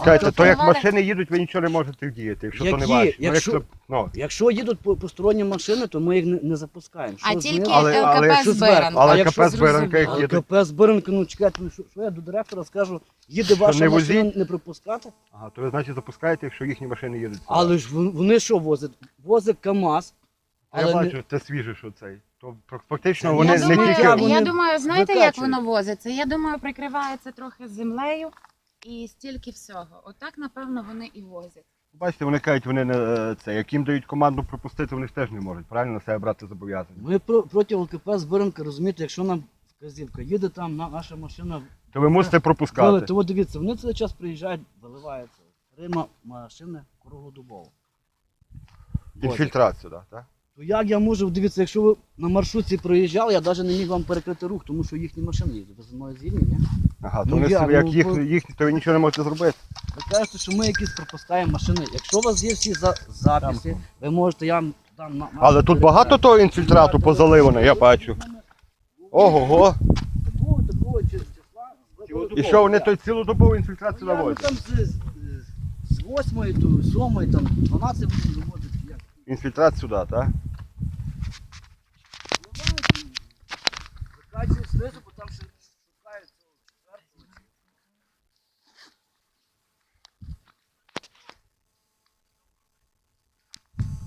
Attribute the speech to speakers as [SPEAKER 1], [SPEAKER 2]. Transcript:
[SPEAKER 1] Чекайте, то як
[SPEAKER 2] Керували-
[SPEAKER 1] машини їдуть, ви нічого не можете вдіяти, якщо то не
[SPEAKER 3] Які?
[SPEAKER 1] ваші.
[SPEAKER 3] Якщо їдуть посторонні машини, то ми їх не запускаємо.
[SPEAKER 2] А
[SPEAKER 3] Що
[SPEAKER 2] тільки
[SPEAKER 3] знизу?
[SPEAKER 1] Але
[SPEAKER 2] ЛКП
[SPEAKER 3] що
[SPEAKER 2] Збиранка.
[SPEAKER 3] зверху?
[SPEAKER 1] Але
[SPEAKER 3] якщо
[SPEAKER 1] КП Збиранка їх
[SPEAKER 3] Але
[SPEAKER 1] їде.
[SPEAKER 3] КП Збиранка, ну чекайте, ну що я до директора скажу, їде ваша
[SPEAKER 1] не
[SPEAKER 3] машина
[SPEAKER 1] возіть?
[SPEAKER 3] не пропускати?
[SPEAKER 1] Ага, то ви, значить, запускаєте, якщо їхні машини їдуть.
[SPEAKER 3] Але ж вони що возять? Возять КАМАЗ.
[SPEAKER 1] Я
[SPEAKER 3] Але
[SPEAKER 1] бачу, це свіже, що цей. То фактично
[SPEAKER 3] Це
[SPEAKER 1] вони
[SPEAKER 2] Я
[SPEAKER 3] не
[SPEAKER 1] не
[SPEAKER 2] думаю,
[SPEAKER 1] тільки...
[SPEAKER 3] вони
[SPEAKER 2] я думаю, знаєте, як
[SPEAKER 3] викачують.
[SPEAKER 2] воно возиться? Я думаю, прикривається трохи землею і стільки всього. Отак, напевно, вони і возять.
[SPEAKER 1] Бачите, вони кажуть, вони не це. Як їм дають команду пропустити, вони ж теж не можуть, правильно, на себе брати зобов'язання.
[SPEAKER 3] Ми проти ЛКП Збиранка, розумієте, якщо нам вказівка їде там, наша машина
[SPEAKER 1] То ви мусите пропускати.
[SPEAKER 3] то от дивіться, вони цей час приїжджають, виливаються. Рима машини круглодобово.
[SPEAKER 1] Інфільтрацію, так?
[SPEAKER 3] То як я можу, дивіться, якщо ви на маршрутці проїжджали, я навіть не міг вам перекрити рух, тому що їхні машини їдуть. Ви зі мною згідні, ні?
[SPEAKER 1] Ага, то
[SPEAKER 3] Ну,
[SPEAKER 1] вони
[SPEAKER 3] як?
[SPEAKER 1] собі, як
[SPEAKER 3] Ну,
[SPEAKER 1] їхні, то ви нічого не можете зробити.
[SPEAKER 3] Ви кажете, що ми якісь пропускаємо машини. Якщо у вас є всі записи, ви можете, я вам дам на...
[SPEAKER 1] Але тут багато того інфільтрату позаливано, я бачу. Ого-го.
[SPEAKER 3] Такого числа.
[SPEAKER 1] І що вони той цілодобову інфільтрацію
[SPEAKER 3] Ну,
[SPEAKER 1] наводять?
[SPEAKER 3] там з 8 до 7, там 12 будуть доводити. Як?
[SPEAKER 1] Інфільтрат сюди, так?
[SPEAKER 3] Закачують знизу, бо там ще